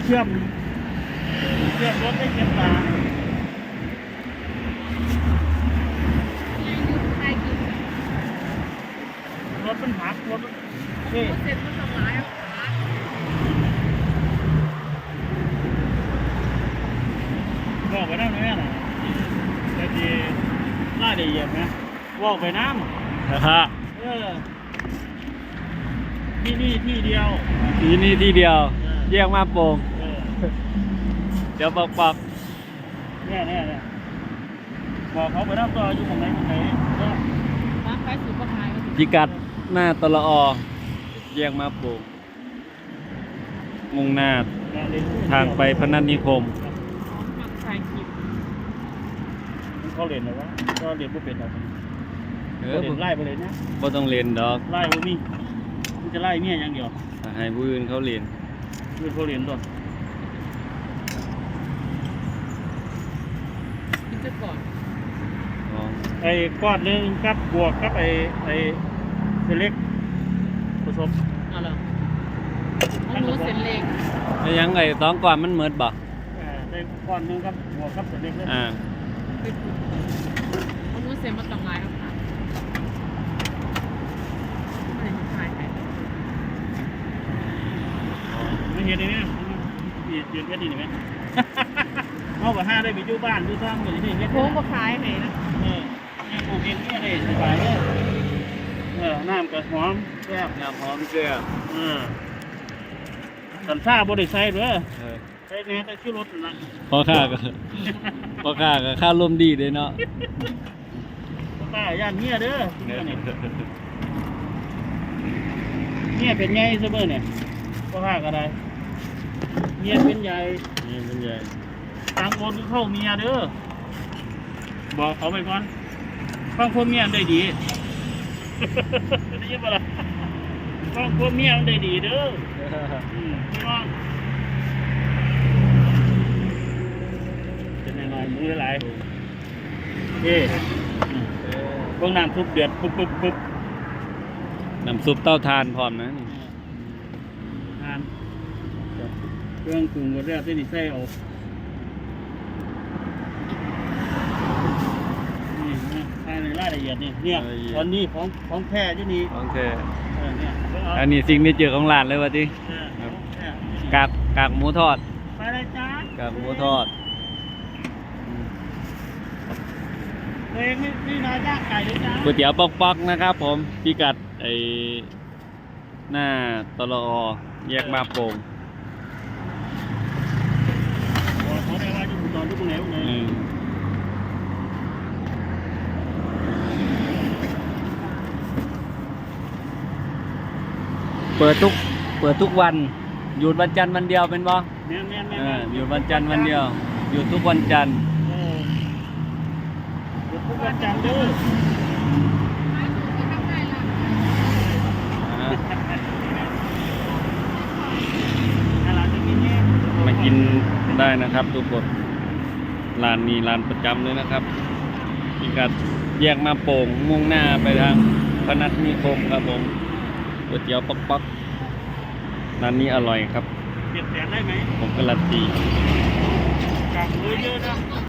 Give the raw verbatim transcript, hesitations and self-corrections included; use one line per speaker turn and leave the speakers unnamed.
ชื่อมเชื่อมรถได้เก็บตา
ใครกิน
รถมันหักรถเฮ้
เสร็จมันทำร้ายอ่ะ
บอกไปน้ำไหมน่ะแต่ดีล่าได้เหยียบนะบอกไปน้ำ
นะฮะ
เออที่นี่ที่เดียว
ทีนี้ที่เดียวแยกมาโป่ง
เออ
เดี๋ยวบอกบอก
เนี่ยเนี่ยเนี่ยบอกเขาไปน้ำตัวอยู่ตรงไหนตรงไหนก็
ร้านไปสุดก็ขายก็ถึง
พิกัดหน้าตละอแยกมาโป่งมุ่งหน้าทางไปพนัสนิคม
หมักใส่คลิป
เขาเรียนหรือวะก็เรียนผู้เป็นหรอก
เอ
เขา
อ
เรียนไล่ไปเลยนะ
บ่ต้องเรียนดอก
ไล่บ่มีมันจะไล่เมียอย่างเดียว
ให้ผู้อื่นเขาเรียน
เพื่อนเขาเรียนตัว
กินจะก่อน
อ๋อ
ไอ้ก้อนหนึงกับบวกกับไอ้ไอ้เล็กผสม
เอาล่ะมันรู้เส้นเล็ก
แล้วยังไงต้องก่อนมันเหมือนบ่
อ่าได้ก้อนหนึงกับบวกกับเล็กเลย
อ่า
ไปปุ๊บมันรู้เส้นมันต้องลายครับค่ะไม่ได้ขายใคร
ไม่เห็นเลยเนี่ยยืนยืนแค่นี้เห็นไหม เอากับห้าได้ไปอยู่บ้านอยู่ซ่องอยู่ที่นี่
โค้งก็ขายให้นะ
เออเนี่ยปลูกเองเนี่ยเลยสบายเลยเออน้ำกระหอมแซ่บ
น้ำหอมเกลือ
เออสันซ่าบริใส่ด้วย
เออ
ใส่แน่แต่ชื่อรถนั่นนะ
พอค่าก็ พอค่าก็ค่าร่วมดีเลยเนาะ
ป้าย่านเมียเด้อเนี่ยเมียเป็นไงเสมอเนี่ยก็ห้าก็ได้เมียเป็นใหญ่
นี่เป็นใหญ่
ต่างคนเข้าเมียเด้อบอกเขาไปก่อนฟังคนเมียมันได้ดี ได้ยินปะล่ะฟังคนเมียมันได้ดีเด้ออืมพี่น้องเป็นยังไงมือหลายเอ้พวกน้ำซุปเดือดปุ๊บปุ๊บปุ๊บ
น้ำซุปเต้าทานพร้อมนะนี่
ทานเครื่องปรุงหมดแล้วที่นี่ใส่เอานี่นะภายในรายละเอียดนี่เนี่ยตอนนี้ของของแท้ที่นี่
โอเค
เออเนี่ยไปเอา
อันนี้สิ่งที่เจอของร้านเลยวะจิ
เออของแท้
กากกากหมูทอด
ไปเลยจ้าก
ากหมูทอด
ตัวเองนี่นี่นายย่างไก่เลยจ้า
ก๋วยเตี๋ยวป๊อกๆนะครับ ผมพิกัดไอหน้าตลอแยกมาโป่ง
บอกเขาได้ว่าอยู่ตอนทุกไหนไหน
อืมเปิดทุกเปิดทุกวันหยุดวันจันทร์วันเดียวเป็นบ่
แม่นแม่นแม่
เออหยุดวันจันทร์วันเดียวหยุดทุกวันจันทร์
เออหยุดทุกวันจันทร์เด้อ
ขายถูกก็ทำได้ละ
อ่า
ถ้าเราจะกินเนี่ย
มากินได้นะครับทุกคนร้านนี้ร้านประจำเลยนะครับพิกัดแยกมาโป่งมุ่งหน้าไปทางพนัสนิคมครับผมก๋วยเตี๋ยวป๊อกๆร้านนี้อร่อยครับ
เจ็ดแสนได้ไหม
ผมการันตี
กลับเลยเยอะนะ